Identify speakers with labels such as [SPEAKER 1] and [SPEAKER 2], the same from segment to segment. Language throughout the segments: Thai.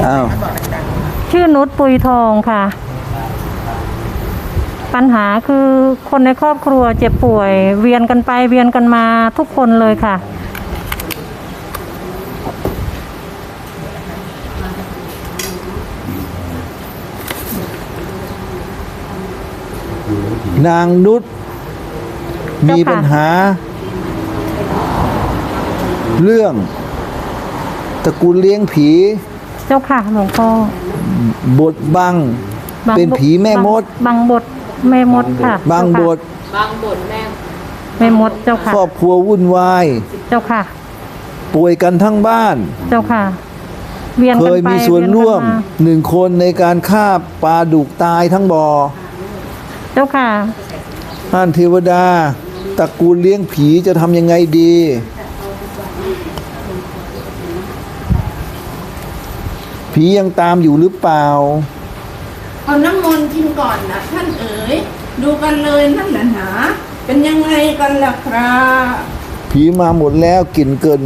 [SPEAKER 1] อ้าว
[SPEAKER 2] ชื่อนุชปุยทองค่ะ ปัญหาคือคนในครอบครัวเจ็บป่วย เวียนกันไปเวียนกันมาทุกคนเลยค่ะ
[SPEAKER 1] นางนุชมี
[SPEAKER 2] เจ้าค่ะ
[SPEAKER 1] ปัญหา เรื่องตระกูลเลี้ยงผี
[SPEAKER 2] เจ้าค่ะหลวงพ่อบ
[SPEAKER 1] ทบัง เป็นผีแม่มด
[SPEAKER 2] บางบทแม่มดค่ะ
[SPEAKER 1] บางบท
[SPEAKER 3] บางบทแม่
[SPEAKER 2] แม่มดเจ้าค่ะ
[SPEAKER 1] ครอบครัววุ่นวาย
[SPEAKER 2] เจ้าค่ะ
[SPEAKER 1] ป่วยกันทั้งบ้าน
[SPEAKER 2] เจ้าค่ะ เวียน
[SPEAKER 1] เค
[SPEAKER 2] กัน
[SPEAKER 1] ย
[SPEAKER 2] ไป
[SPEAKER 1] มีส่วนร่วม
[SPEAKER 2] เยนกัน
[SPEAKER 1] หนึ่งคนในการฆ่าปลาดุกตายทั้งบ่อ
[SPEAKER 2] เจ้าค่ะ
[SPEAKER 1] ท่านเทวดาตระกูลเลี้ยงผีจะทำยังไงดี ผียังตามอยู่หรือเปล่า
[SPEAKER 4] เอาน้ำมนต์กินก่อนนะท่านเอ๋ยดูกันเลยนั่นแหละหนาเป็นยังไงกันล่ะครับ
[SPEAKER 1] ผีมาหมดแล้วกลิ่นเกิน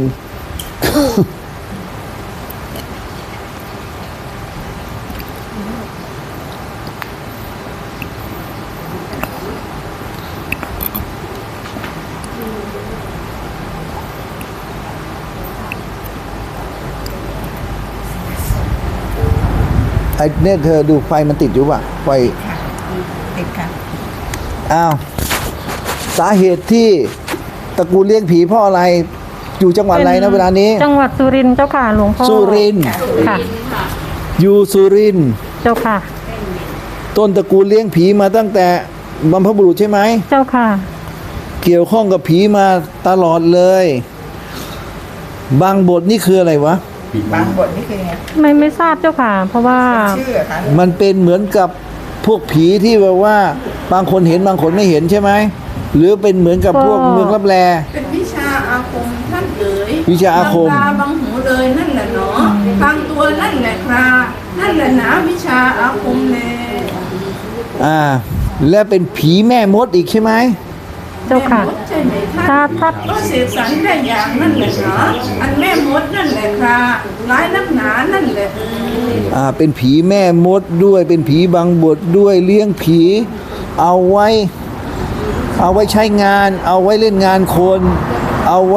[SPEAKER 1] ไอ้เนี่ยเธอดูไฟมันติดอยู่ป่ะ ไฟ
[SPEAKER 4] ติดค่ะ
[SPEAKER 1] อ้าว สาเหตุที่ตระกูลเลี้ยงผีเพราะอะไร อยู่จังหวัดอะไรนะเวลานี้
[SPEAKER 2] จังหวัดสุรินทร์เจ้าค่ะหลวงพ่อ
[SPEAKER 1] สุรินทร์
[SPEAKER 2] ค่ะ
[SPEAKER 1] อยู่สุรินทร์
[SPEAKER 2] เจ้าค่ะ
[SPEAKER 1] ต้นตระกูลเลี้ยงผีมาตั้งแต่บรรพบุรุษใช่ไหม
[SPEAKER 2] เจ้าค่ะ
[SPEAKER 1] เกี่ยวข้องกับผีมาตลอดเลย บางบทนี่คืออะไรวะ
[SPEAKER 5] บางบทนี่คือไง
[SPEAKER 2] ไม่ทราบเจ้าค่ะ เพราะว่า
[SPEAKER 5] ชื่อเหรอคะ
[SPEAKER 1] มันเป็นเหมือนกับพวกผีที่แบบว่า บางคนเห็นบางคนไม่เห็นใช่ไหม หรือเป็นเหมือนกับพวกเมืองรับแล
[SPEAKER 4] เป็นวิชาอาคมท่านเอ๋ย
[SPEAKER 1] วิชาอาคม
[SPEAKER 4] บางตาบางหูเลยนั่นแหละเนาะบางตัวนั่นแหละครับนั่นแหละหนาวิชาอาคมเลย
[SPEAKER 1] และเป็นผีแม่มดอีกใช่ไหม
[SPEAKER 2] เจ้าค่ะ
[SPEAKER 4] แม่มดใช่ไหมท่าน
[SPEAKER 2] ถ้า
[SPEAKER 4] ก็เสกสรรได้อย่างนั่นแหละเนาะอันแม่มดนั่นแหละครับร้ายนักหนานั่นแหละเอ๋ย
[SPEAKER 1] เป็นผีแม่มดด้วย เป็นผีบางบทด้วยเลี้ยงผี เอาไว้ ใช้งาน เอาไว้เล่นงานคน เอาไว้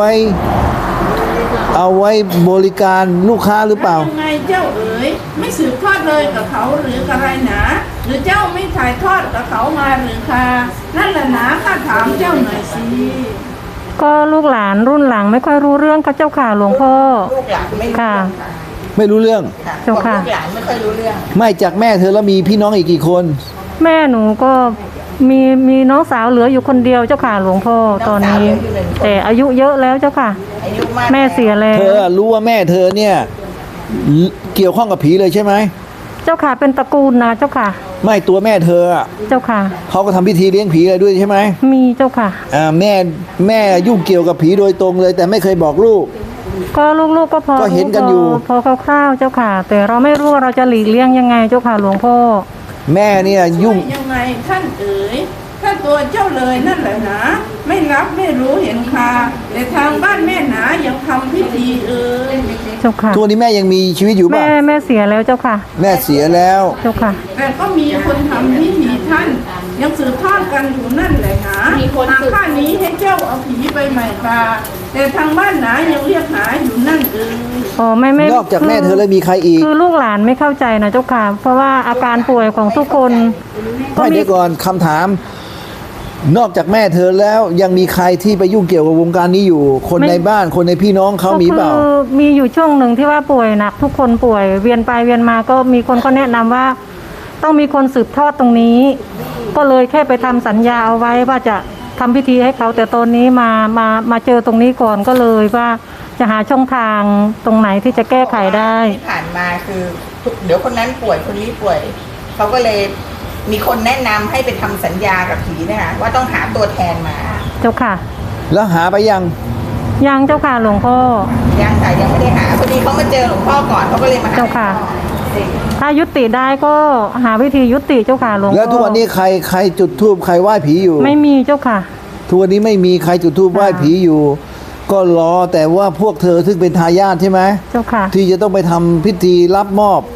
[SPEAKER 1] บริการลูกค้าหรือเปล่า
[SPEAKER 4] ยังไงเจ้าเอ๋ยไม่สืบทอดเลยกับเขาหรืออะไรหนาหรือเจ้าไม่ถ่ายทอดกับเขามาหรือคะนั่นแหละหนาข้าถามเจ้าหน่อยสิ
[SPEAKER 2] ก็ลูกหลานรุ่นหลังไม่ค่อยรู้เรื่องค่ะเจ้าค่ะหลวงพ่อ
[SPEAKER 5] ลูกหลานไม่รู้
[SPEAKER 2] ค่ะ
[SPEAKER 5] เรื่องค่ะ
[SPEAKER 1] ไม่รู้เรื่อง
[SPEAKER 5] ค่ะ
[SPEAKER 2] เจ้าค่ะ
[SPEAKER 5] ลูกหลานไม่ค่อยรู้เรื่อง
[SPEAKER 1] ไม่จากแม่เธอแล้วมีพี่น้องอีกกี่คน
[SPEAKER 2] แม่หนูก็มีน้องสาวเหลืออยู่คนเดียวเจ้าค่ะหลวงพ่อตอนนี้ แต่อายุเยอะแล้วเจ้าค่ะ
[SPEAKER 5] อายุมาก
[SPEAKER 2] แม่เสียแล้
[SPEAKER 1] เธ
[SPEAKER 2] ว
[SPEAKER 1] อรู้ว่าแม่เธอเนี่ย เกี่ยวข้องกับผีเลยใช่ไหม
[SPEAKER 2] เจ้าค่ะเป็นตระกูลนะเจ้าค่ะ
[SPEAKER 1] ไม่ตัวแม่เธออะ
[SPEAKER 2] เจ้าค่ะ
[SPEAKER 1] เขาก็ทำพิธีเลี้ยงผีอะไรด้วยใช่ไหม
[SPEAKER 2] มีเจ้าค่ะ
[SPEAKER 1] แม่ยุ่งเกี่ยวกับผีโดยตรงเลย แต่ไม่เคยบอกลูก
[SPEAKER 2] ก็ลูกๆก็พอ
[SPEAKER 1] ก็เห็นกันอยู่
[SPEAKER 2] พอคร่าวๆเจ้าค่ะ แต่เราไม่รู้ว่าเราจะหลีกเลี่ยงยังไงเจ้าค่ะหลวงพ่อ
[SPEAKER 1] แม่เนี่ยยุ่ง
[SPEAKER 4] ยังไงท่านเอ๋ยถ้าตัวเจ้าเลยนั่นแหละนะไม่รับไม่รู้เห็นค่ะแต่ทางบ้านแม่หนายังทำพิธีเอ๋ย
[SPEAKER 2] เจ้าค่ะ
[SPEAKER 1] ทุกวันนี้แม่ยังมีชีวิตอยู่ป่ะ
[SPEAKER 2] แม่เสียแล้วเจ้าค่ะ
[SPEAKER 1] แม่เสียแล้ว
[SPEAKER 2] เจ้าค่ะ
[SPEAKER 4] แต่ก็มีคนทำพิธีท่าน ยังสืบทอดกันอยู่นั่นแหละนะทางข้านี้ให้เจ้าเอาผีไปใหม่ค่ะแต่ทางบ้านหนายังเรียกหาอยู่นั่นเอ๋ย
[SPEAKER 2] อ๋อไม่
[SPEAKER 1] นอกจากแม่เธอแล้วมีใครอีก
[SPEAKER 2] คือลูกหลานไม่เข้าใจนะเจ้าค่ะ เพราะว่าอาการป่วยของทุกคนก็
[SPEAKER 1] ไม่
[SPEAKER 2] มี
[SPEAKER 1] เดี๋ยวก่อนคำถาม นอกจากแม่เธอแล้วยังมีใครที่ไปยุ่งเกี่ยวกับวงการนี้อยู่ คนในบ้านคนในพี่น้องเขามีเปล่า
[SPEAKER 2] ก็คือมีอยู่ช่วงหนึ่งที่ว่าป่วยหนักทุกคนป่วยเวียนไปเวียนมาก็มีคนก็แนะนำว่า ต้องมีคนสืบทอดตรงนี้ ก็เลยแค่ไปทำสัญญาเอาไว้ว่าจะทำพิธีให้เขาแต่ตอนนี้มาเจอตรงนี้ก่อนก็เลยว่าจะหาช่องทางตรงไหนที่จะแก้ไขได้
[SPEAKER 5] ที่ผ่านมาคือเดี๋ยวคนนั้นป่วยคนนี้ป่วยเขาก็เลยมีคนแนะนำให้ไปทำสัญญากับผีนะคะว่าต้องหาตัวแทนมา
[SPEAKER 2] เจ้าค่ะ
[SPEAKER 1] แล้วหาไปยัง
[SPEAKER 2] ยังเจ้าค่ะหลวงพ่อ
[SPEAKER 5] ยังแต่ยังไม่ได้หาพอดีเขามาเจอหลวงพ่อก่อนเขาก็เลยมาหา
[SPEAKER 2] เจ้าค่ะ ถ้ายุติได้ก็หาวิธียุติเจ้าค่ะหลวงพ่อ
[SPEAKER 1] แล้วทุกวันนี้ใครจุดธูปใครไหว้ผีอยู่
[SPEAKER 2] ไม่มีเจ้าค่ะ
[SPEAKER 1] ทุกวันนี้ไม่มีใครจุดธูปไหว้ผีอยู่ ก็รอแต่ว่าพวกเธอซึ่งเป็นทายาทใช่ไหม
[SPEAKER 2] เจ้าค่ะ
[SPEAKER 1] ที่จะต้องไปทำพิธีรับมอบ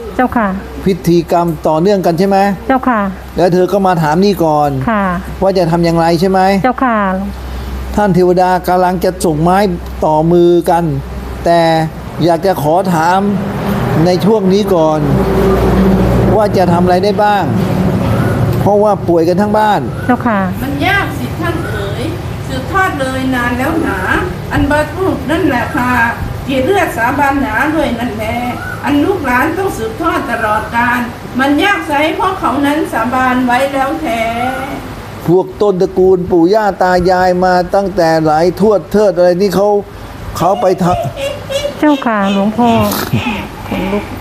[SPEAKER 2] เจ้าค่ะ
[SPEAKER 1] พิธีกรรมต่อเนื่องกันใช่ไหม
[SPEAKER 2] เจ้าค่ะ
[SPEAKER 1] แล้วเธอก็มาถามนี่ก่อน
[SPEAKER 2] ค่ะ
[SPEAKER 1] ว่าจะทำอย่างไรใช่ไหม
[SPEAKER 2] เจ้าค่ะ
[SPEAKER 1] ท่านเทวดากำลังจะส่งไม้ต่อมือกัน แต่อยากจะขอถามในช่วงนี้ก่อน ว่าจะทำอะไรได้บ้าง เพราะว่าป่วยกันทั้งบ้าน
[SPEAKER 2] เจ้าค่ะ
[SPEAKER 4] มันยากสิท่านเอ๋ยสืบทอดเลยนานแล้วหนาอันบรรพุนั่นแหละค่ะเกียรติเลือดสาบานหนาด้วยนั่นแหละอันลูกหลานต้องสืบทอดตลอดกาลมันยากไสเพราะเขานั้นสาบานไว้แล้วแท้
[SPEAKER 1] พวกต้นตระกูลปู่ย่าตายายมาตั้งแต่หลายทวดเทิดอะไรนี่เขาไปท
[SPEAKER 2] เจ้าค่ะหลวงพ่อขนลุก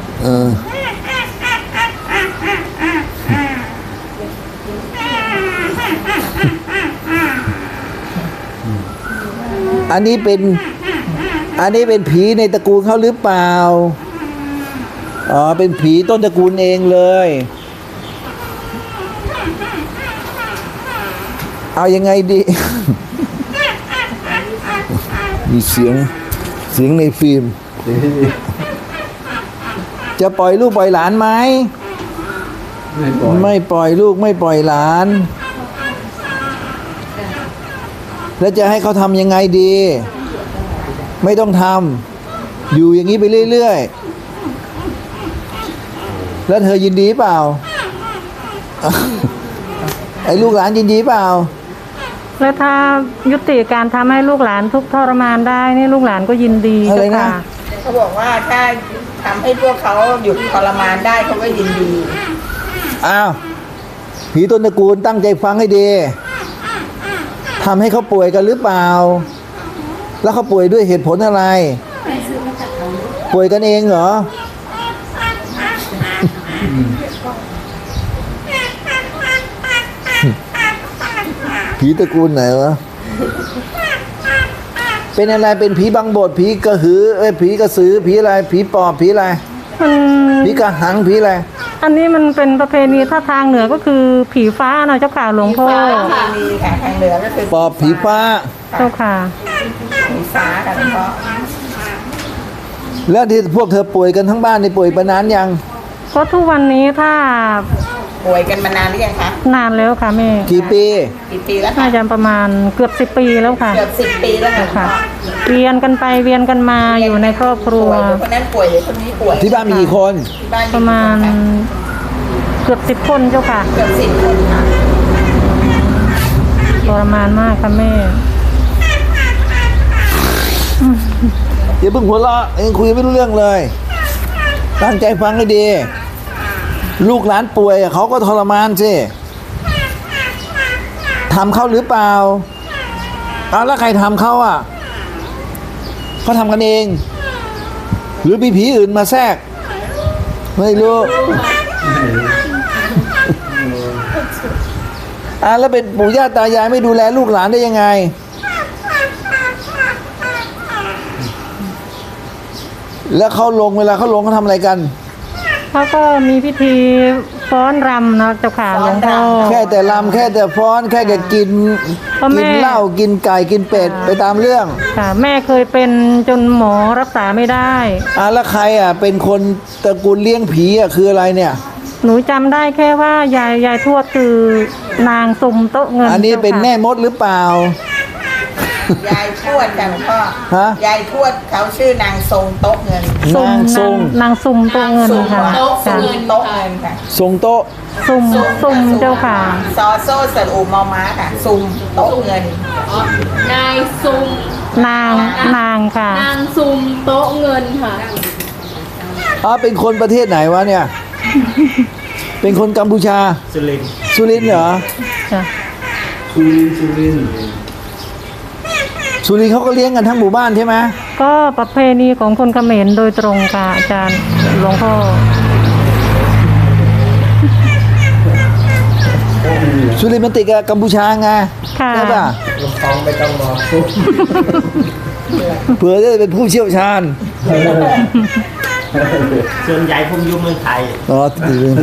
[SPEAKER 1] อันนี้เป็นผีในตระกูลเขาหรือเปล่าอ๋อเป็นผีต้นตระกูลเองเลย เอายังไงดี มีเสียงในฟิล์ม จะปล่อยลูกปล่อยหลานไหมไม่ปล่อยลูกไม่ปล่อยหลาน แล้วจะให้เขาทำยังไงดี ไม่ต้องทำอยู่อย่างนี้ไปเรื่อยๆแล้วเธอยินดีเปล่า ไอ้ลูกหลานยินดีเปล่า
[SPEAKER 2] แล้วถ้ายุติการทำให้ลูกหลานทุกข์ทรมานได้นี่ลูกหลานก็ยินดี
[SPEAKER 1] อะไร
[SPEAKER 2] เจ้า
[SPEAKER 1] นะ
[SPEAKER 2] ค่ะ
[SPEAKER 5] เขาบอกว่าถ้าทำให้พวกเขาหยุดทรมานได้เขาก็ยินดี
[SPEAKER 1] อ้าวผีต้นตระกูลตั้งใจฟังให้ดีทำให้เขาป่วยกันหรือเปล่า แล้วเขาป่วยด้วยเหตุผลอะไร ป่วยกันเองเหรอ ผีตระกูลไหนวะ เป็นอะไรเป็นผีบังบดผีกระหือผีกระสือผีอะไรผีปอบผีอะไร
[SPEAKER 2] มัน
[SPEAKER 1] ผีกระหังผีอะไร
[SPEAKER 2] อันนี้มันเป็นประเพณีถ้าทางเหนือก็คือผีฟ้านะเจ้าค่ะหลวงพ่อ
[SPEAKER 5] มีค่ะทางเหนือก็คือ
[SPEAKER 1] ปอบผีฟ้า
[SPEAKER 2] เจ้าค่ะ
[SPEAKER 5] ผีฟ้าค่ะหลวงพ่อ
[SPEAKER 1] แล้วที่พวกเธอป่วยกันทั้งบ้านนี่ป่วยมานานยัง
[SPEAKER 2] ก็ทุกวันนี้ถ้า
[SPEAKER 5] ป่วยกันมานานหรือยังคะ
[SPEAKER 2] นานแล้วค่ะแม่
[SPEAKER 1] กี่ปี
[SPEAKER 5] กี่ปีแล้ว
[SPEAKER 2] น่า
[SPEAKER 5] คะ
[SPEAKER 2] จะประมาณเกือบ10 ปีแล้วค่ะ
[SPEAKER 5] เกือบ10 ปีแล้วค่ะ
[SPEAKER 2] ค่ะ เวียนกันไปเวียนกันมาอยู่ในครอบครัว
[SPEAKER 5] ป่วยเดี๋ยวคนนั้นป่วยเดี๋ยวคนนี้ป่วย
[SPEAKER 1] ที่บ้านมีกี่คน
[SPEAKER 5] ที่บ้าน
[SPEAKER 2] ประมาณ
[SPEAKER 5] กี่คนค
[SPEAKER 2] เกือบ10 คนเจ้าค่ะ
[SPEAKER 5] เกือบ10 คนค่ะ
[SPEAKER 2] ทรมานมากค่ะแม่
[SPEAKER 1] อย่าเพิ่งหัวเราะเองคุยไม่รู้เรื่องเลย ตั้งใจฟังให้ดี ลูกหลานป่วยเขาก็ทรมานสิทำเขาหรือเปล่าเอาแล้วใครทำเขาอ่ะเขาทำกันเอง หรือมีผีอื่นมาแทรก ไม่รู้แล้วเป็นปู่ย่าตายายไม่ดูแลลูกหลานได้ยังไง แล้วเขาลงเวลาเขาลงเขาทำอะไรกัน
[SPEAKER 2] เขาก็มีพิธีฟ้อนรำนะเจ้าค่ะหลวงพ่อ
[SPEAKER 1] แค่แต่ลำแค่แต่ฟ้อนแค่แต่กิน
[SPEAKER 2] พ่อแม่
[SPEAKER 1] กินเหล้ากินไก่กินเป็ดไปตามเรื่อง
[SPEAKER 2] ค่ะ แม่เคยเป็นจนหมอรักษาไม่ได้
[SPEAKER 1] แล้วใครเป็นคนตระกูลเลี้ยงผีคืออะไรเนี่ย
[SPEAKER 2] หนูจำได้แค่ว่ายายทวดคือนางสุ่มโต๊ะเงิน
[SPEAKER 1] อันนี้เป็น
[SPEAKER 2] จ้าค่ะ
[SPEAKER 1] แม่มดหรือเปล่า
[SPEAKER 5] ยายทวดค่ะหลวงพ่อ
[SPEAKER 1] ฮะ
[SPEAKER 5] ยายทวดเขาชื่อนางทรงโต๊ะเงิน
[SPEAKER 2] สุ่ม
[SPEAKER 1] นางทรง
[SPEAKER 2] นางสุ่มโต๊ะเงิน
[SPEAKER 5] ทรง
[SPEAKER 2] ค่ะ
[SPEAKER 5] โต๊ะ
[SPEAKER 2] จ้ะ
[SPEAKER 5] เงินโต๊ะเงินค่ะ
[SPEAKER 1] ทรงโต๊ะ
[SPEAKER 2] สุ่มเจ้าค่ะ
[SPEAKER 5] ซอโซ่สระอูมอม้าค่ะซุมโต๊ะเงิน
[SPEAKER 3] นายซุม
[SPEAKER 2] นางค่ะ
[SPEAKER 3] นางซุมโต๊ะเงินค่ะ
[SPEAKER 1] เป็นคนประเทศไหนวะเนี่ย เป็นคนกัมพูชา
[SPEAKER 6] สุรินทร์
[SPEAKER 1] สุรินทร์เหรอ
[SPEAKER 2] จ้ะ
[SPEAKER 6] สุรินทร์
[SPEAKER 1] สุรินทร์เขาก็เลี้ยงกันทั้งหมู่บ้านใช่ไหม
[SPEAKER 2] ก็ประเพณีของคนเขมรโดยตรงค่ะอาจารย์หลวงพ่อ
[SPEAKER 1] สุรินทร์มันติดกับกัมพูชาไง
[SPEAKER 2] ค่ะ
[SPEAKER 1] ใช่ป่ะ
[SPEAKER 6] ลำพองไปต้องรอ
[SPEAKER 1] เผื่อจะเป็นผู้เชี่ยวชาญ
[SPEAKER 6] ส่วนใหญ่ผมอยู่เมืองไทย
[SPEAKER 1] ติดเรื่องไหน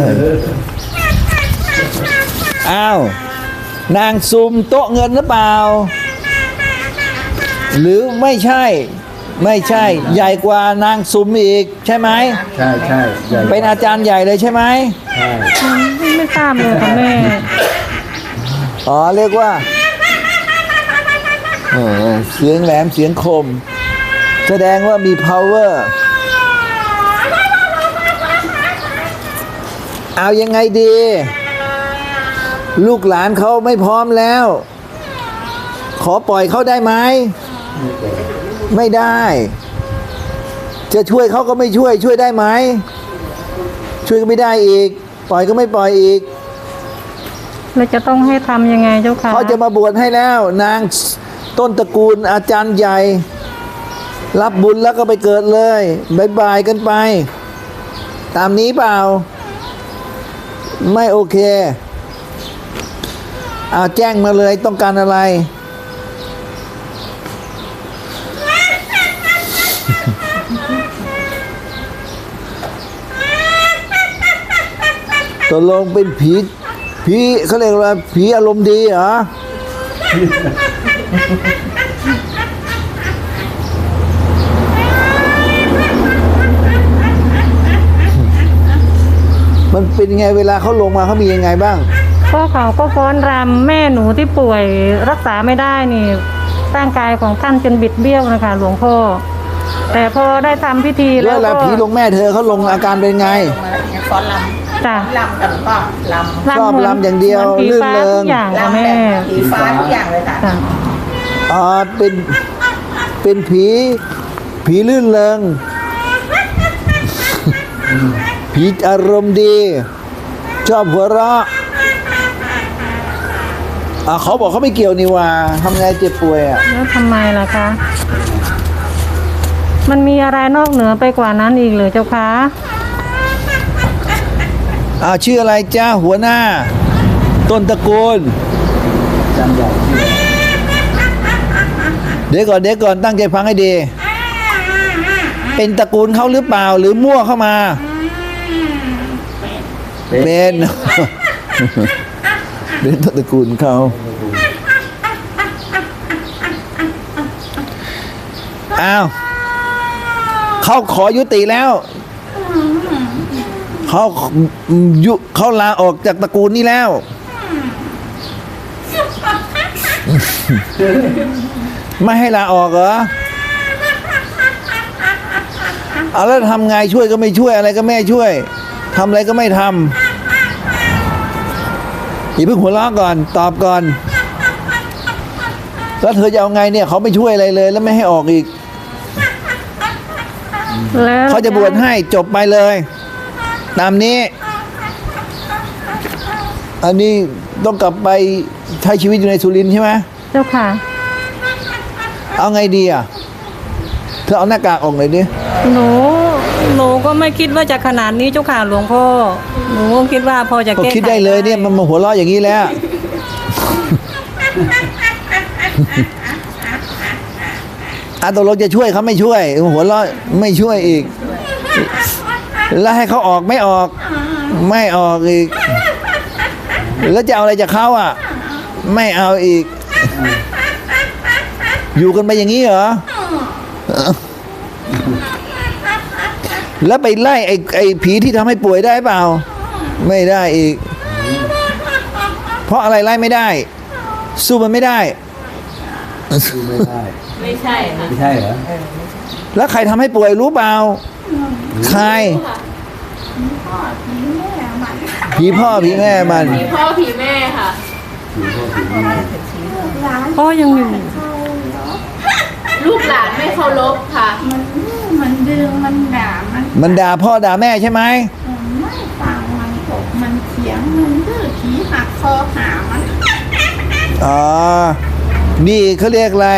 [SPEAKER 1] นางซุมโต๊ะเงินหรือเปล่า หรือไม่ใช่ไม่ใช่ใหญ่กว่านางซุมอีกใช่ไหม
[SPEAKER 6] ใช่ใช่ใหญ่
[SPEAKER 1] เป็นอาจารย์ใหญ่เลยใช่ไหม
[SPEAKER 6] ใช่
[SPEAKER 2] ไม่ทราบเลยค่ะแม่
[SPEAKER 1] อ๋อเรียกว่าเสียงแหลมเสียงคม แสดงว่ามี power เอายังไงดี ลูกหลานเขาไม่พร้อมแล้ว ขอปล่อยเขาได้ไหมไม่ได้ จะช่วยเขาก็ไม่ช่วยช่วยได้ไหมช่วยก็ไม่ได้อีก ปล่อยก็ไม่ปล่อยอีก
[SPEAKER 2] แล้วจะต้องให้ทำยังไงเจ้าค่ะ
[SPEAKER 1] เขาจะมาบวชให้แล้ว นางต้นตระกูลอาจารย์ใหญ่ รับบุญแล้วก็ไปเกิดเลยบายบายกันไป ตามนี้เปล่า ไม่โอเคเอาแจ้งมาเลยต้องการอะไร ตกลงเป็นผีเขาเรียกว่าผีอารมณ์ดีเหรอ มันเป็นยังไงเวลาเขาลงมาเขามียังไงบ้าง
[SPEAKER 2] ก็เขาก็ฟ้อนรำแม่หนูที่ป่วยรักษาไม่ได้นี่ร่างกายของท่านจนบิดเบี้ยวนะคะหลวงพ่อ แต่พอได้ทำพิธี
[SPEAKER 1] แล้
[SPEAKER 2] แล้วว
[SPEAKER 1] เวลา
[SPEAKER 2] ก็
[SPEAKER 1] ผีลงแม่เธอเขาลงอาการเป็นไง
[SPEAKER 5] ลงมาแล้วเนี่ยฟ้อนล
[SPEAKER 2] จ้ะ
[SPEAKER 5] ำลำกับก็ลำ
[SPEAKER 1] ชอบรำอย่างเดียว
[SPEAKER 2] หมืนผี
[SPEAKER 1] ลื่น
[SPEAKER 2] ฟ้า
[SPEAKER 1] เริง
[SPEAKER 2] ทุกอย่างค่ะ
[SPEAKER 5] ลำ
[SPEAKER 2] แม่
[SPEAKER 5] แบบผีฟ้าทุกอย่างเลยค่ะ
[SPEAKER 2] จ้ะ
[SPEAKER 1] เป็นผีลื่นเริง ผีอารมณ์ดี ชอบหัวเราะเขาบอกเขาไม่เกี่ยวนี่ว่าทำไงเจ็บป่วยอ่ะ
[SPEAKER 2] แล้วทำไมล่ะคะ มันมีอะไรนอกเหนือไปกว่านั้นอีกหรือเจ้าคะ
[SPEAKER 1] ชื่ออะไรจ้าหัวหน้า ต้นตระกูล
[SPEAKER 6] จำใหญ่ที่
[SPEAKER 1] เดี๋ยวก่อนตั้งใจฟังให้ดี เป็นตระกูลเขาหรือเปล่าหรือมั่วเข้ามา เป็น เป็นต้นตระกูลเขาอ้าวเขาขอยุติแล้วเขาลาออกจากตระกูลนี้แล้ว ไม่ให้ลาออกเหรอเอาแล้วทำไงช่วยก็ไม่ช่วยอะไรก็ไม่ช่วยทำอะไรก็ไม่ทำอย่าเพิ่งหัวเราะก่อนตอบก่อนแล้วเธอจะเอาไงเนี่ยเขาไม่ช่วยอะไรเลยแล้วไม่ให้ออกอีก
[SPEAKER 2] แล้ว
[SPEAKER 1] เขาจะบวชให้จบไปเลย ตามนี้ อันนี้ต้องกลับไปใช้ชีวิตอยู่ในสุรินทร์ใช่ไหม
[SPEAKER 2] เจ้าค่ะ
[SPEAKER 1] เอาไงดีอ่ะเธอเอาหน้ากากออกหน่อยดิ
[SPEAKER 2] หนูก็ไม่คิดว่าจะขนาดนี้เจ้าค่ะหลวงพ่อ หนูก็คิดว่าพอจะ
[SPEAKER 1] ก็
[SPEAKER 2] แก้
[SPEAKER 1] คิดได้เลยเนี่ยมันมาหัวเราะอย่างนี้แล้ว ตกลงจะช่วยเขาไม่ช่วย หัวเราะไม่ช่วยอีก แล้วให้เขาออกไม่ออก ไม่ออกอีก แล้วจะเอาอะไรจากเขาอ่ะ ไม่เอาอีก อยู่กันไปอย่างนี้เหรอ แล้วไปไล่ไอ้ผีที่ทำให้ป่วยได้เปล่า ไม่ได้อีก เพราะอะไรไล่ไม่ได้ สู้มันไม่ได้
[SPEAKER 6] ดูไม่ได้
[SPEAKER 3] ไม่ใช่ค่ะ
[SPEAKER 6] ไม่ใช่เหรอ
[SPEAKER 1] แล้วใครทำให้ป่วยรู้เปล่า ใคร ผีพ่อผีแม่มัน
[SPEAKER 3] ผีพ่อผีแม่ค่ะ
[SPEAKER 2] พ่อยังอยู่
[SPEAKER 3] ลูกหลานไม่เคารพค่ะ
[SPEAKER 4] มันดึงมันด่ามัน
[SPEAKER 1] ด่าพ่อด่าแม่ใช่ไหม
[SPEAKER 4] ไม่ฟังมันตกมันเถียงมันดื้อผีหักคอหามัน
[SPEAKER 1] อ๋อ นี่เขาเรียกอะไร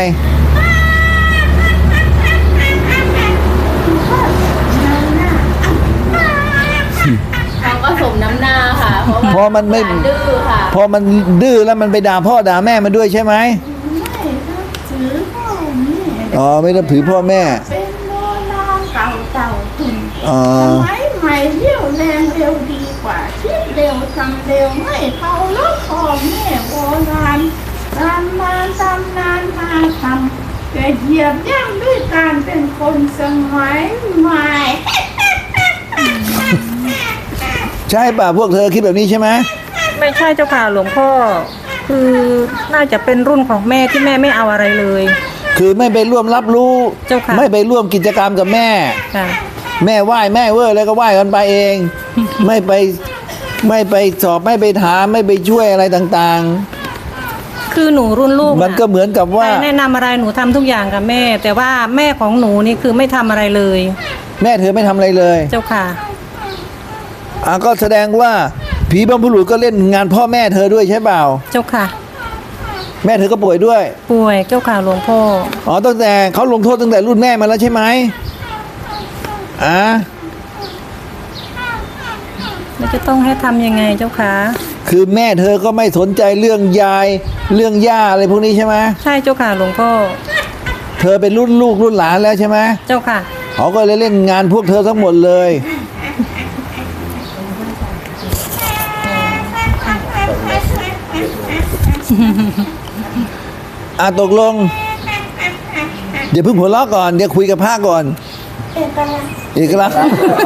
[SPEAKER 3] เขาก็สมน้ำหน้าค่ะ เพราะว่า
[SPEAKER 1] พอมันไม่
[SPEAKER 3] หลานดื้อค่ะ
[SPEAKER 1] พอมันดื้อแล้วมันไปด่าพ่อด่าแม่มันด้วยใช่ไหม
[SPEAKER 4] ไม่นับถือพ่อแม่
[SPEAKER 1] อ๋อ ไม่ต้องถือพ่อแม่
[SPEAKER 4] เป็นโบราณเก่าๆคุณ
[SPEAKER 1] อ๋อ
[SPEAKER 4] สมัยใหม่เรี่ยวแรงเร็วดีกว่าคิดเร็วทำเร็วไม่เคารพพ่อแม่โบราณตำนานมาทำแต่เหยียบย่ำด้วยการเป็นคนสมัยใหม่
[SPEAKER 1] ใช่ป่ะพวกเธอคิดแบบนี้ใช่ไหม
[SPEAKER 2] ไม่ใช่เจ้าค่ะหลวงพ่อ คือน่าจะเป็นรุ่นของแม่ที่แม่ไม่เอาอะไรเลย
[SPEAKER 1] คือไม่ไปร่วมรับรู้
[SPEAKER 2] เจ้าค่ะ
[SPEAKER 1] ไม่ไปร่วมกิจกรรมกับแม่
[SPEAKER 2] ค่ะ
[SPEAKER 1] แม่ไหว้แม่เว้ยแล้วก็ไหว้กันไปเอง ไม่ไปสอบไม่ไปถามไม่ไปช่วยอะไรต่าง
[SPEAKER 2] คือหนูรุ่นลูก
[SPEAKER 1] ๆ มันก็เหมือนกับว่า
[SPEAKER 2] ใครแนะนำอะไรหนูทำทุกอย่างกับแม่ แต่ว่าแม่ของหนูนี่คือไม่ทำอะไรเลย
[SPEAKER 1] แม่เธอไม่ทำอะไรเลย
[SPEAKER 2] เจ้าค่ะ
[SPEAKER 1] ก็แสดงว่าผีบรรพบุรุษก็เล่นงานพ่อแม่เธอด้วยใช่เปล่า
[SPEAKER 2] เจ้าค่ะ
[SPEAKER 1] แม่เธอก็ป่วยด้วย
[SPEAKER 2] ป่วยเจ้าค่ะหลวงพ่อ
[SPEAKER 1] ตั้งแต่เขาลงโทษตั้งแต่รุ่นแม่มาแล้วใช่ไหม
[SPEAKER 2] แล้วจะต้องให้ทำยังไงเจ้าค่ะ
[SPEAKER 1] คือแม่เธอก็ไม่สนใจเรื่องยายเรื่องย่าอะไรพวกนี้ใช่ไหม
[SPEAKER 2] ใช่เจ้าค่ะหลวงพ่อ
[SPEAKER 1] เธอเป็นรุ่นลูกรุ่นหลานแล้วใช่ไหม
[SPEAKER 2] เจ้าค่ะ
[SPEAKER 1] เขาก็เลยเล่นงานพวกเธอทั้งหมดเลยตกลง เดี๋ยวเพิ่งหัวเราะก่อนเดี๋ยวคุยกับพระก่อนเอกลักษณ์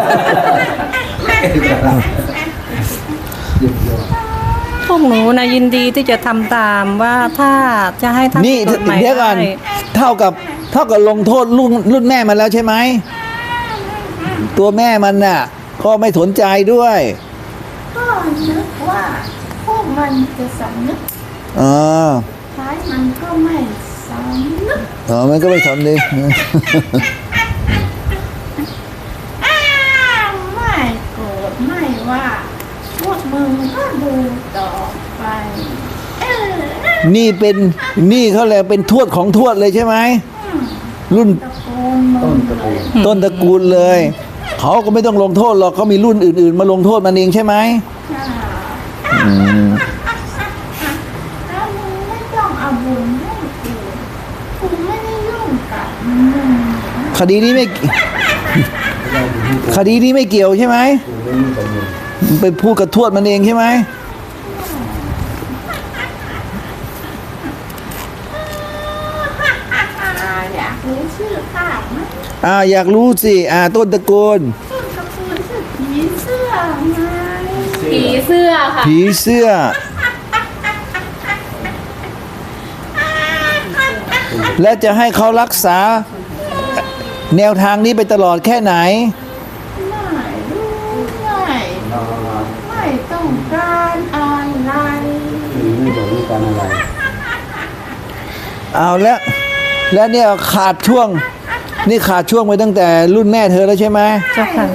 [SPEAKER 2] พวกหนูนะยินดีที่จะทำตามว่าถ้าจะให้ทำ
[SPEAKER 1] นี่
[SPEAKER 2] กฎหมาย
[SPEAKER 1] เดี๋ยวก่อน
[SPEAKER 2] ได้
[SPEAKER 1] เท่ากับลงโทษรุ่นแม่มันแล้วใช่ไหมตัวแม่มันน่ะก็ไม่สนใจด้วย
[SPEAKER 4] ก็นึกว่าพวกมันจะสำนึก
[SPEAKER 1] อ๋อ
[SPEAKER 4] ท้ายมันก็ไม่สำนึก
[SPEAKER 1] มันก็ไม่ทำดี
[SPEAKER 4] ไม่โกรธไม่ว่าพวกมึงก็ดูต่อไป
[SPEAKER 1] นี่เขาเลยกเป็นทวดของทวดเลยใช่ไหมรุ่น
[SPEAKER 4] ตะโกนมึงเลย
[SPEAKER 1] ต้นตระกูลเลยเขาก็ไม่ต้องลงโทษหรอกเขามีรุ่นอื่นๆ มาลงโทษมันเองใช่ไหม
[SPEAKER 4] ถ้ามึงไม่ต้องเอาบุญให้กูไม่ได้ยุ่งกับมึง
[SPEAKER 1] คดีนี้ไม่เกี่ยวใช่ไหมไปพูดกับทวดมันเองใช่ไหม
[SPEAKER 4] อยากรู้ชื่อข้าไหม
[SPEAKER 1] อยากรู้สิต้นตระกูล
[SPEAKER 4] ต้นตระกูลชื่อผีเสื้อไง
[SPEAKER 3] ผีเสื้อค่ะ
[SPEAKER 1] ผีเสื้อ และจะให้เขารักษาแนวทางนี้ไปตลอดแค่ไหน
[SPEAKER 4] ไม่รู้ไม่ต้องการอะไร
[SPEAKER 6] ไม่บอกเรื่องการอะไร
[SPEAKER 1] เอาแล้วเนี่ยขาดช่วงไปตั้งแต่รุ่นแม่เธอแล้วใช่ไหม
[SPEAKER 2] เจ้าค่ะ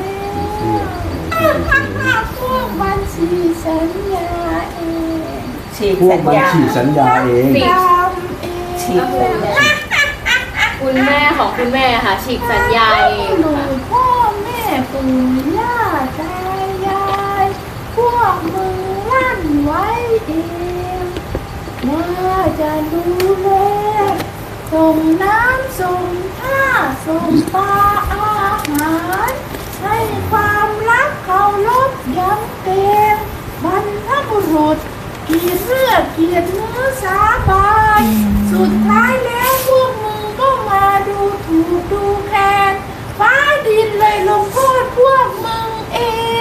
[SPEAKER 4] พวกมันฉีกสัญญาเอง
[SPEAKER 5] ฉีก
[SPEAKER 6] พว
[SPEAKER 5] สั
[SPEAKER 6] ก
[SPEAKER 5] ญ
[SPEAKER 6] มัน
[SPEAKER 5] ญา
[SPEAKER 6] ฉีกสัญญาเอง
[SPEAKER 3] ฉีก
[SPEAKER 4] ทำเอง
[SPEAKER 5] ฉีกสัญญา
[SPEAKER 3] คุณแม่ของคุณแม่ค่ะ ฉีกสัญญาเอง
[SPEAKER 4] ดู
[SPEAKER 3] ค่ะ
[SPEAKER 4] พ่อแม่ปู่ย่าตายายพวกมึงลั่นไว้เองว่าจะดูแลส่งน้ำส่งท่าส่งปลาอาหารให้ความรักเคารพย้ำเกรงบรรพบุรุษเกียรติเลือดเกียรติเนื้อสาบานสุดท้ายแล้วพวกมึงก็มาดูถูกดูแคลนฟ้าดินเลยลงโทษพวกมึงเอง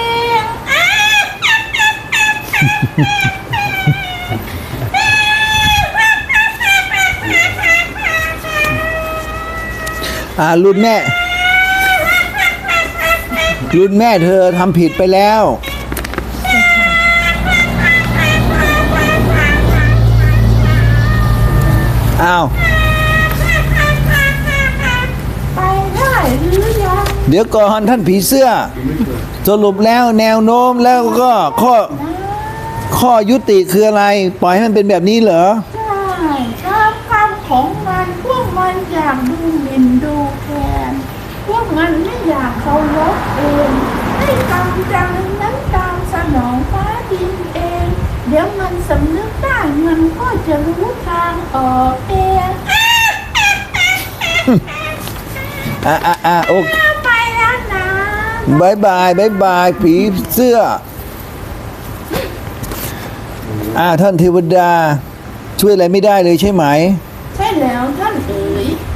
[SPEAKER 1] รุ่นแม่เธอทำผิดไปแล้วอ้าว
[SPEAKER 4] ไปได้หรือยัง
[SPEAKER 1] เดี๋ยวก่อนท่านผีเสื้อ สรุปแล้วแนวโน้มแล้วก็ข้อยุติคืออะไร ปล่อยให้มันเป็นแบบนี้เหรอ
[SPEAKER 4] ใช่ตามคำของมันพวกมันอยากดูหมิ่นดูแคลนพวกมันไม่อยากเคารพเองให้กรรมจังนั้นตามสนองฟ้าดินเอง เดี๋ยวมันสำนึกได้มันก็จะรู้ทางออกเอง
[SPEAKER 1] โอเค
[SPEAKER 4] ไปแล้วนะ
[SPEAKER 1] บายบายผีเสื้อท่านเทวดาช่วยอะไรไม่ได้เลยใช่ไหม
[SPEAKER 4] ใช่แล้วท่านเอ๋ย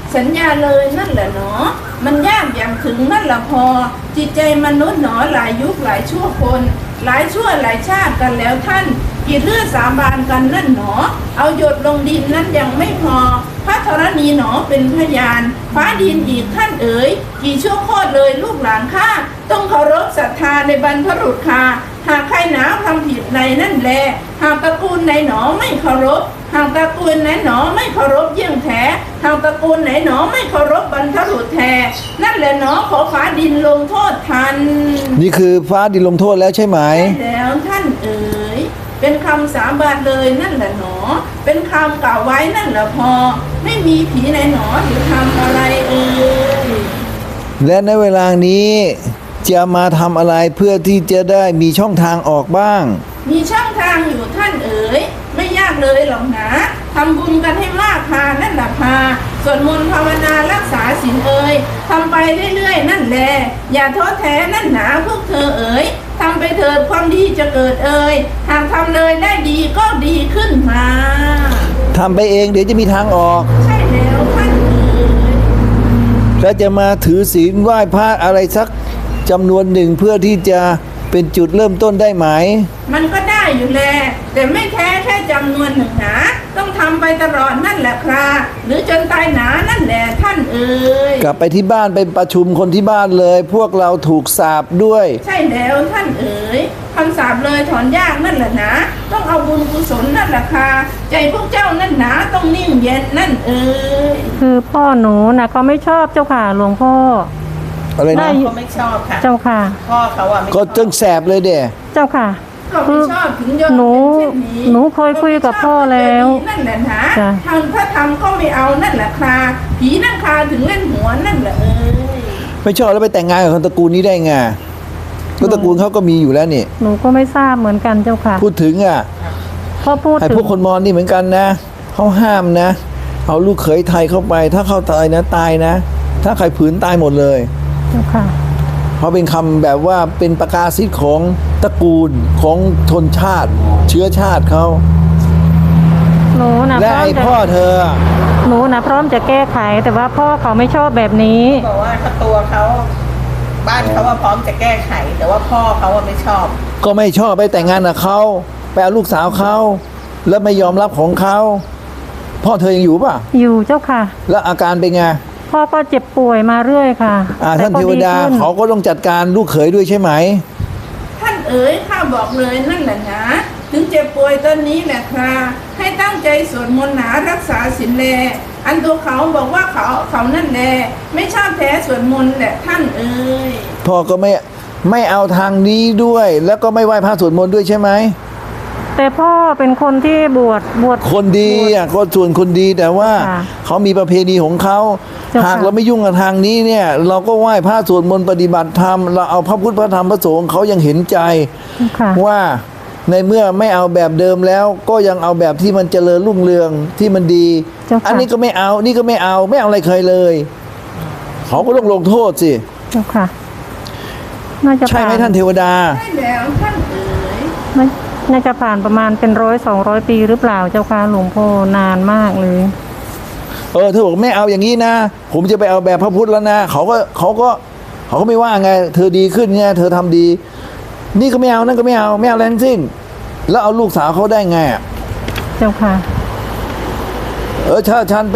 [SPEAKER 4] สัญญาเลยนั่นแหละเนาะมันยากอย่างถึงนั่นละพอจิตใจมนุษย์หนอหลายยุคหลายชั่วคนหลายชั่วหลายชาติกันแล้วท่านกี่เลือดสาบานกันนั่นหนอเอาหยดลงดินนั้นยังไม่พอพระธรณีหนอเป็นพยานฟ้าดินอีกท่านเอ๋ยกี่ชั่วโคตรเลยลูกหลานข้าต้องเคารพศรัทธาในบรรพบุรุษข้าหากใครหนาทำผิดในนั่นแลหากตระกูลไหนหนอไม่เคารพหากตระกูลไหนหนอไม่เคารพเยี่ยงแท้หากตระกูลไหนหนอไม่เคารพบรรพบุรุษแท้นั่นแหละหนอขอฟ้าดินลงโทษทัน
[SPEAKER 1] นี่คือฟ้าดินลงโทษแล้วใช่ไหม
[SPEAKER 4] แล้วท่านเอ๋ยเป็นคำสาบานเลยนั่นแหละหนอเป็นคำกล่าวไว้นั่นแหละพอไม่มีผีไหนหนอหรือทำอะไรเอ๋ย
[SPEAKER 1] และในเวลานี้จะมาทำอะไรเพื่อที่จะได้มีช่องทางออกบ้าง
[SPEAKER 4] มีช่องทางอยู่ท่านเอ๋ยไม่ยากเลยหรอกนะทำบุญกันให้มากพานั่นแหละพาสวดมนต์ภาวนารักษาศีลเอ๋ยทำไปเรื่อยๆนั่นแหละอย่าท้อแท้นั่นหนาพวกเธอเอ๋ยทำไปเถิดความดีจะเกิดเอ่ยหากทำเลยได้ดีก็ดีขึ้นมา
[SPEAKER 1] ทำไปเองเดี๋ยวจะมีทางออก
[SPEAKER 4] ใช่แล้วท่านเอ๋ย
[SPEAKER 1] แล้วจะมาถือศีลไหว้พระอะไรสักจำนวนหนึ่งเพื่อที่จะเป็นจุดเริ่มต้นได้ไหม
[SPEAKER 4] มันก็ได้อยู่แลแต่ไม่แท้แค่จำนวนหนึ่งหนาต้องทำไปตลอดนั่นแหละครับหรือจนตายหนานั่นแหละท่านเอ๋ย
[SPEAKER 1] กลับไปที่บ้านไปประชุมคนที่บ้านเลย พวกเราถูกสาปด้วย
[SPEAKER 4] ใช่แล้วท่านเอ๋ยคำสาปเลยถอนยากนั่นแหละนะต้องเอาบุญกุศลนั่นแหละค่ะใจพวกเจ้านั่นหนาต้องนิ่งเย็นนั่นเอ๋ย
[SPEAKER 2] คือพ่อหนูนะก็ไม่ชอบเจ้าค่ะหลวงพ่อ
[SPEAKER 1] อะไรนะ
[SPEAKER 5] เขาไม่ชอบค่ะ
[SPEAKER 2] เจ้าค่ะ
[SPEAKER 5] พ่อเขาอะไม่ช
[SPEAKER 1] ก็
[SPEAKER 5] อบ
[SPEAKER 1] จึงแสบเลยเด้
[SPEAKER 2] เจ้าค่ะ
[SPEAKER 4] ก็ไม่ชอบถึงยอม
[SPEAKER 2] หนู
[SPEAKER 4] เป็นเช่นนี้
[SPEAKER 2] หนูเคยคุยกับพ่อแล้ว
[SPEAKER 4] นั่นแหละนะ
[SPEAKER 2] จ้ะ
[SPEAKER 4] ทำถ้าทำก็ไม่เอานั่นแหละค่ะผีนั่งคาถึงเล่นหัวนั่นแหละเอ๋ย
[SPEAKER 1] ไม่ชอบแล้วไปแต่งงานกับคนตระกูลนี้ได้ไงก็ตระกูลเขาก็มีอยู่แล้วนี่
[SPEAKER 2] หนูก็ไม่ทราบเหมือนกันเจ้าค่ะ
[SPEAKER 1] พูดถึงอ่ะ
[SPEAKER 2] พ่อพูด
[SPEAKER 1] ไอ้
[SPEAKER 2] ถึง
[SPEAKER 1] พวกคนมอญนี่เหมือนกันนะเขาห้ามนะ เอาลูกเขยไทยเข้าไป ถ้าเข้าตายนะตายนะ ถ้าใครผืนตายหมดเลย
[SPEAKER 2] เจ้าค่ะ
[SPEAKER 1] เพราะเป็นคำแบบว่าเป็นประกาศสิทธิ์ของตระกูลของชนชาติ เชื้อชาติเขา
[SPEAKER 2] หนูนะ
[SPEAKER 1] และ
[SPEAKER 2] พร้อม
[SPEAKER 1] ไอ้
[SPEAKER 2] จะ
[SPEAKER 1] พ่อเธอ
[SPEAKER 2] หนูนะพร้อมจะแก้ไข แต่ว่าพ่อเขาไม่ชอบแบบนี้
[SPEAKER 5] บอกว่าถ้าตัวเขาบ้านเขาว่าพร้อมจะแก้ไข แต่ว่าพ่อเขาว่าไม่ชอบ
[SPEAKER 1] ก็ไม่ชอบไปแต่งงานกับเขาไปเอาลูกสาวเขาแล้วไม่ยอมรับของเขาพ่อเธอยังอยู่ป่ะ
[SPEAKER 2] อยู่เจ้าค่ะ
[SPEAKER 1] แล้วอาการเป็นไง
[SPEAKER 2] พ่อก็เจ็บป่วยมาเรื่อยค่ะ
[SPEAKER 1] ท่าน
[SPEAKER 2] แต่
[SPEAKER 1] เท
[SPEAKER 2] ก็
[SPEAKER 1] วดา
[SPEAKER 2] ขึ้น
[SPEAKER 1] เขาก็ต้องจัดการลูกเขยด้วยใช่ไหม
[SPEAKER 4] ท่านเอ๋ยข้าบอกเลยนั่นแหละนะถึงเจ็บป่วยตอนนี้แหละค่ะให้ตั้งใจสวดมนต์หนารักษาศีลแลอันตัวเขาบอกว่าเขานั่นแหละไม่ชอบแท้สวดมนต์แหละท่านเอ๋ย
[SPEAKER 1] พ่อก็ไม่เอาทางนี้ด้วย แล้วก็ไม่ไหว้พระสวดมนต์ด้วยใช่ไหม
[SPEAKER 2] แต่พ่อเป็นคนที่บวช
[SPEAKER 1] คนดีอ่ะก็ส่วนคนดีแต่ว่า
[SPEAKER 2] ค่ะ
[SPEAKER 1] เขามีประเพณีของเขา
[SPEAKER 2] เจ้าค่ะ
[SPEAKER 1] หากเราไม่ยุ่งกับทางนี้เนี่ย เราก็ไหว้พระสวดมนต์ปฏิบัติธรรมเราเอาพระพุทธพระธรรมพระสงฆ์เขายังเห็นใจ
[SPEAKER 2] ค่ะ
[SPEAKER 1] ว่าในเมื่อไม่เอาแบบเดิมแล้ว ก็ยังเอาแบบที่มันเจริญรุ่งเรืองที่มันดี
[SPEAKER 2] เจ้าค่ะ
[SPEAKER 1] อันนี้ก็ไม่เอานี่ก็ไม่เอาอะไรเคยเลย เขาก็ต้องลงโทษสิ
[SPEAKER 2] เจ้าค่ะ น่าจะ
[SPEAKER 1] ใช่ไหม
[SPEAKER 2] ผ่
[SPEAKER 1] ท่านเทวดา
[SPEAKER 4] ใช่แล้วท่านเอ๋ย
[SPEAKER 2] น่าจะผ่านประมาณเป็น100-200 ปีหรือเปล่าเจ้าค่ะหลวงพ่อนานมากเลย
[SPEAKER 1] เธอบอกไม่เอาอย่างนี้นะ ผมจะไปเอาแบบพระพุทธแล้วนะเขาก็ไม่ว่าไง เธอดีขึ้นไงเธอทำดี นี่ก็ไม่เอานั่นก็ไม่เอาอะไรทั้งสิ้น แล้วเอาลูกสาวเขาได้ไงอะ
[SPEAKER 2] เจ้าค่ะ
[SPEAKER 1] ถ้าฉัน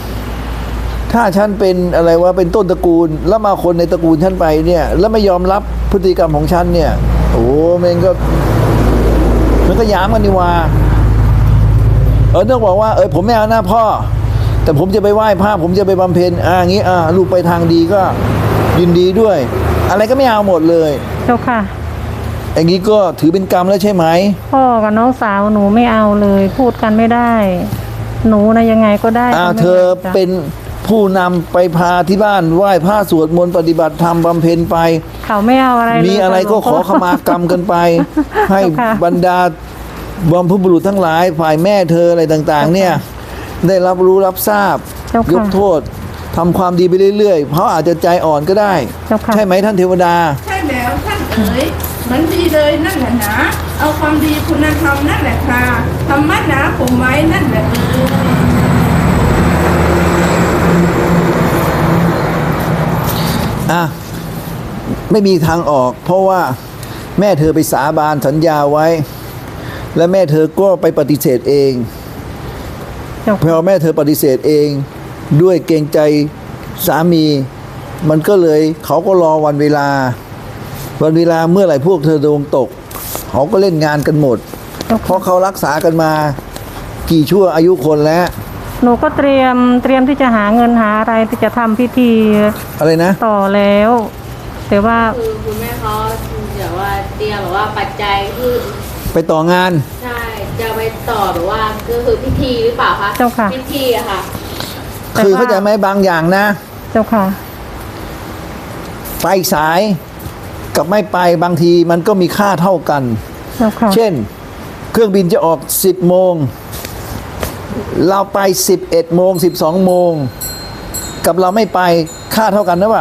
[SPEAKER 1] เป็นอะไรวะเป็นต้นตระกูล แล้วมาคนในตระกูลฉันไปเนี่ย แล้วไม่ยอมรับพฤติกรรมของฉันเนี่ย โอ้มันก็ย้ำกันนี่ว่าต้องบอกว่าผมไม่เอาหน้าพ่อ แต่ผมจะไปไหว้พระผมจะไปบำเพ็ญอย่างนี้ลูกไปทางดีก็ยินดีด้วย อะไรก็ไม่เอาหมดเลย
[SPEAKER 2] เจ้าค่ะ
[SPEAKER 1] อย่างนี้ก็ถือเป็นกรรมแล้วใช่ไหม
[SPEAKER 2] พ่อกับน้องสาวหนูไม่เอาเลย พูดกันไม่ได้ หนูนะยังไงก็ได้ก็ไม่
[SPEAKER 1] เธอ
[SPEAKER 2] จ้ะ
[SPEAKER 1] เป็นผู้นำไปพาที่บ้านไหว้พระสวดมนต์ปฏิบัติธรรมบำเพ็ญไป
[SPEAKER 2] เขาไม่เอาอะไรเลย
[SPEAKER 1] มีอะไรก็ขอขมากรรมกันไป ให้
[SPEAKER 2] เจ้าค่ะ
[SPEAKER 1] บรรดาบรรพบุรุษทั้งหลายฝ่ายแม่เธออะไรต่างๆ เนี่ย ได้รับรู้รับทราบ
[SPEAKER 2] เจ้าค่ะ
[SPEAKER 1] ยกโทษทำความดีไปเรื่อยๆเพราะอาจจะใจอ่อนก็ได้
[SPEAKER 2] เจ้าค่ะ
[SPEAKER 1] ใช่ไหมท่านเทวดา
[SPEAKER 4] ใช่แล้วท่านเอ๋ยเหมือนดีเลยนั่นแหละนะเอาความดีคุณธรรมนั่นแหละค่ะธรรมะหนาผมไว้นั่นแหละเอ๋ย
[SPEAKER 1] อ่ะไม่มีทางออก เพราะว่าแม่เธอไปสาบานสัญญาไว้ และแม่เธอก็ไปปฏิเสธเอง
[SPEAKER 2] เจ้า
[SPEAKER 1] พอแม่เธอปฏิเสธเองด้วยเกรงใจสามี มันก็เลยเขาก็รอวันเวลาเมื่อไหร่พวกเธอดวงตกเขาก็เล่นงานกันหมด
[SPEAKER 2] เจ้า
[SPEAKER 1] เพ
[SPEAKER 2] ค่ะ
[SPEAKER 1] ราะเขารักษากันมากี่ชั่วอายุคนแล้ว
[SPEAKER 2] หนูก็เตรียมที่จะหาเงินหาอะไรที่จะทำพิธี
[SPEAKER 1] อะไรนะ
[SPEAKER 2] ต่อแล้ว แต่ว่า
[SPEAKER 3] คือคุณแม่เขาแบบว่าเตรียมแบบว่าปัจจัยคือ
[SPEAKER 1] ไปต่องาน
[SPEAKER 3] ใช่จะไปต่อแบบว่าก็คือพิธีหรือเปล่าคะ
[SPEAKER 2] เจ้าค่ะ
[SPEAKER 3] พิธีอะค่ะ
[SPEAKER 2] แต่
[SPEAKER 1] คือ
[SPEAKER 2] ว่า
[SPEAKER 1] เข้าใจไหมบางอย่างนะ
[SPEAKER 2] เจ้าค่ะ
[SPEAKER 1] ไปสายกับไม่ไปบางทีมันก็มีค่าเท่ากัน
[SPEAKER 2] เจ้าค่ะ
[SPEAKER 1] เช่น เครื่องบินจะออก 10 โมง เราไป 11 โมง 12 โมง กับเราไม่ไปค่าเท่ากันนะว่า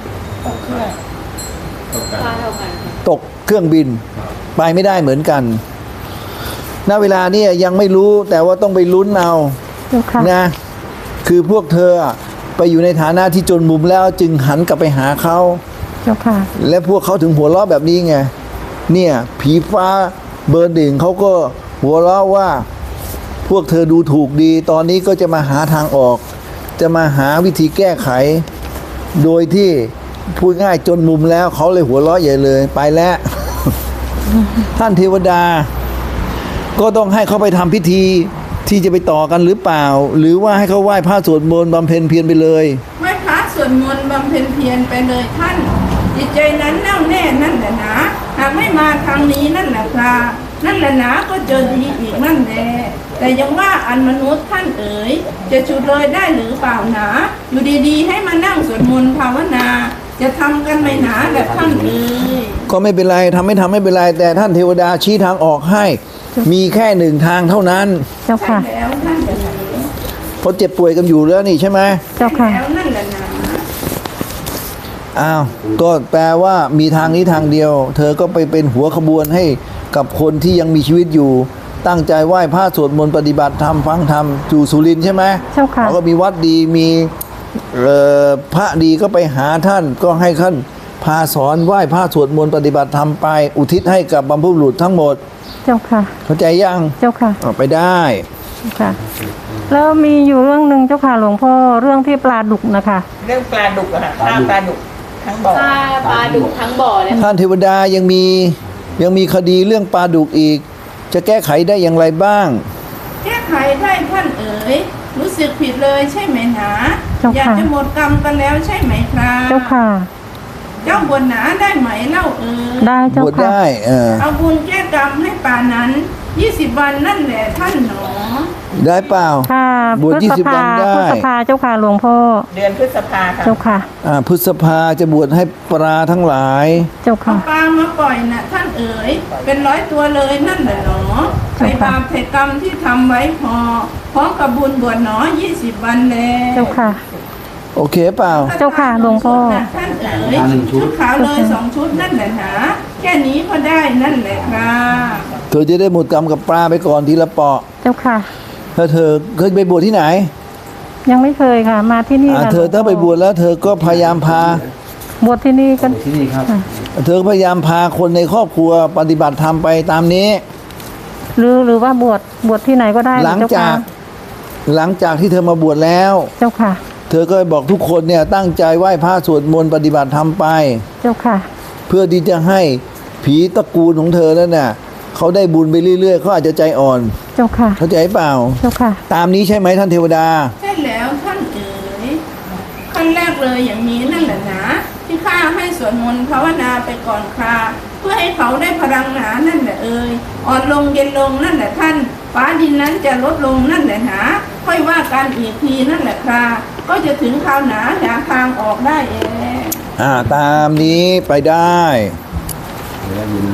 [SPEAKER 3] ค่าเท่ากันค่ะ
[SPEAKER 1] ตกเครื่องบินไปไม่ได้เหมือนกัน ณ เวลานี้ยังไม่รู้แต่ว่าต้องไปลุ้นเอา
[SPEAKER 2] เจ้าค่ะ
[SPEAKER 1] นะ คือพวกเธอไปอยู่ในฐานะที่จนมุมแล้วจึงหันกลับไปหาเขา
[SPEAKER 2] เจ้าค่ะ
[SPEAKER 1] และพวกเขาถึงหัวเราะแบบนี้ไง เนี่ยผีฟ้าเบอร์หนึ่งเขาก็หัวเราะว่า พวกเธอดูถูกดี ตอนนี้ก็จะมาหาทางออก จะมาหาวิธีแก้ไข โดยที่พูดง่ายจนมุมแล้วเขาเลยหัวเราะใหญ่เลยไปแล้ว ท่านเทวดา ก็ต้องให้เขาไปทำพิธีที่จะไปต่อกันหรือเปล่า หรือว่าให้เขาไหว้พระสวดมนต์บำเพ็ญเพียรไปเลย
[SPEAKER 4] ไหว้พระสวดมนต์บำเพ็ญเพียรไปเลยท่านจิตใจนั้นแน่วแน่นั่นแหละนะหากไม่มาทางนี้นั่นแหละครับนั่นแหละนะก็เจอดีอีกนั่นแหละแต่ยังว่าอันมนุษย์ท่านเอ๋ยจะฉุดเลยได้หรือเปล่าหนาอยู่ดีๆให้มานั่งสวดมนต์ภาวนาจะทำกันไหมหนาแบบท่านเอ๋ย
[SPEAKER 1] ก็ไม่เป็นไรทำไม่เป็นไร แต่ท่านเทวดาชี้ทางออกให้ มีแค่หนึ่งทางเท่านั้น
[SPEAKER 2] เจ้า
[SPEAKER 4] ใช่
[SPEAKER 2] ค่ะ
[SPEAKER 4] แล้วนั่นแหละนะ
[SPEAKER 1] เพราะเจ็บป่วยกันอยู่แล้วนี่ใช่ไหม
[SPEAKER 2] เจ้าค่ะ
[SPEAKER 4] แล้วนั่นแหละนะ
[SPEAKER 1] อ้าว ก็แปลว่ามีทางนี้ทางเดียว เธอก็ไปเป็นหัวขบวนให้กับคนที่ยังมีชีวิตอยู่ ตั้งใจไหว้พระสวดมนต์ปฏิบัติธรรมฟังธรรมอยู่สุรินทร์ใช่ไหม
[SPEAKER 2] เจ้าค่ะ
[SPEAKER 1] เขาก็มีวัดดีมีพระดีก็ไปหาท่านก็ให้ท่านพาสอนไหว้พระสวดมนต์ปฏิบัติธรรมไป อุทิศให้กับบรรพบุรุษทั้งหมด
[SPEAKER 2] เจ้าค่ะ
[SPEAKER 1] เข้าใจยัง
[SPEAKER 2] เจ้าค่ะ
[SPEAKER 1] เอาไปได้
[SPEAKER 2] ค่ะ แล้วมีอยู่เรื่องหนึ่งเจ้าค่ะหลวงพ่อเรื่องที่ปลาดุกนะคะ
[SPEAKER 5] เรื่องปลาดุกอะค่ะฆ่าปลาดุกทั้งบ่อ
[SPEAKER 3] ค่าปลาดุกทั้งบ่อเลย
[SPEAKER 1] ท่านเทวดายังมีคดีเรื่องปลาดุกอีก จะแก้ไขได้อย่างไรบ้าง
[SPEAKER 4] แก้ไขได้ท่านเอ๋ยรู้สึกผิดเลยใช่ไหมหนา
[SPEAKER 2] เจ้าค่ะ
[SPEAKER 4] อยากจะหมดกรรมกันแล้วใช่ไหมครับ
[SPEAKER 2] เจ้าค่ะ
[SPEAKER 4] เจ้าบวชหนาได้ไหมเล่าเอ๋ย
[SPEAKER 2] ได้เจ้า
[SPEAKER 1] บวช
[SPEAKER 2] ค่ะ
[SPEAKER 1] ได้
[SPEAKER 4] เอาบุญแก้กรรมให้ป่านั้น20 วันนั่นแหละท่านหนอ
[SPEAKER 1] ได้เปล่า
[SPEAKER 2] ค่ะ
[SPEAKER 1] บวช
[SPEAKER 2] พฤษ
[SPEAKER 1] 20
[SPEAKER 2] ภา
[SPEAKER 1] วันได้
[SPEAKER 2] พฤษภาเจ้าค่ะหลวงพ่อ
[SPEAKER 5] เดือนพฤษภาค่ะ
[SPEAKER 2] เจ้าค่ะ
[SPEAKER 1] พฤษภาจะบวชให้ปลาทั้งหลาย
[SPEAKER 2] เจ้า
[SPEAKER 4] เอา
[SPEAKER 2] ค่ะ
[SPEAKER 4] ปลามาปล่อยน่ะท่านเอ๋ยเป็น100 ตัวเลยนั่นแหละหนอใส่บาปใส่กรรมที่ทำไว้พอพร้อมกับบุญบวชหนอ20 วันแล้ว
[SPEAKER 2] เจ้าค่ะ
[SPEAKER 1] โอเคเปล่า
[SPEAKER 2] เจ้าค่ะหลวงพ่อ
[SPEAKER 4] ท่านเอ๋ยชุดขาวเลย2 ชุดนั่นแหละนะแค่นี้ก็ได้นั่นแหละครับ
[SPEAKER 1] เธอจะได้หมดกรรมกับปลาไปก่อนทีละเปาะ
[SPEAKER 2] เจ้าค่ะ
[SPEAKER 1] ถ้าเธอเคยไปบวชที่ไหน
[SPEAKER 2] ยังไม่เคยค่ะ มาที่นี่ค่ะ
[SPEAKER 1] เธอถ้าไปบวชแล้ว เธอก็พยายามพา
[SPEAKER 2] บวชที่นี่กัน
[SPEAKER 6] ที่นี่ครับ
[SPEAKER 1] เธอพยายามพาคนในครอบครัวปฏิบัติธรรมไปตามนี้
[SPEAKER 2] หรือว่าบวชที่ไหนก็ได้
[SPEAKER 1] หลัง
[SPEAKER 2] เจ้า
[SPEAKER 1] จา
[SPEAKER 2] ค่ะ
[SPEAKER 1] กที่เธอมาบวชแล้ว
[SPEAKER 2] เจ้าค่ะ
[SPEAKER 1] เธอก็บอกทุกคนเนี่ยตั้งใจไหว้พระสวดมนต์ปฏิบัติธรรมไป
[SPEAKER 2] เจ้าค่ะ
[SPEAKER 1] เพื่อที่จะให้ผีตระกูลของเธอนั่นน่ะเขาได้บุญไปเรื่อยๆเขาอาจจะใจอ่อน
[SPEAKER 2] เจ้าค่ะ
[SPEAKER 1] เข้าใจเปล่า
[SPEAKER 2] เจ้าค่ะ
[SPEAKER 1] ตามนี้ใช่ไหมท่านเทวดา
[SPEAKER 4] ใช่แล้วท่านเอ๋ยขั้นแรกเลยอย่างนี้นั่นแหละนะที่ข้าให้สวดมนต์ภาวนาไปก่อนคราเพื่อให้เขาได้พลังหนานั่นแหละเอ๋ยอ่อนลงเย็นลงนั่นแหละท่านฟ้าดินนั้นจะลดลงนั่นแหละนะค่อยว่ากันอีกทีนั่นแหละคราก็จะถึงคราวหนาหาทางออกได้เอง
[SPEAKER 1] ตามนี้ไปได้
[SPEAKER 6] เดี๋ยวยิน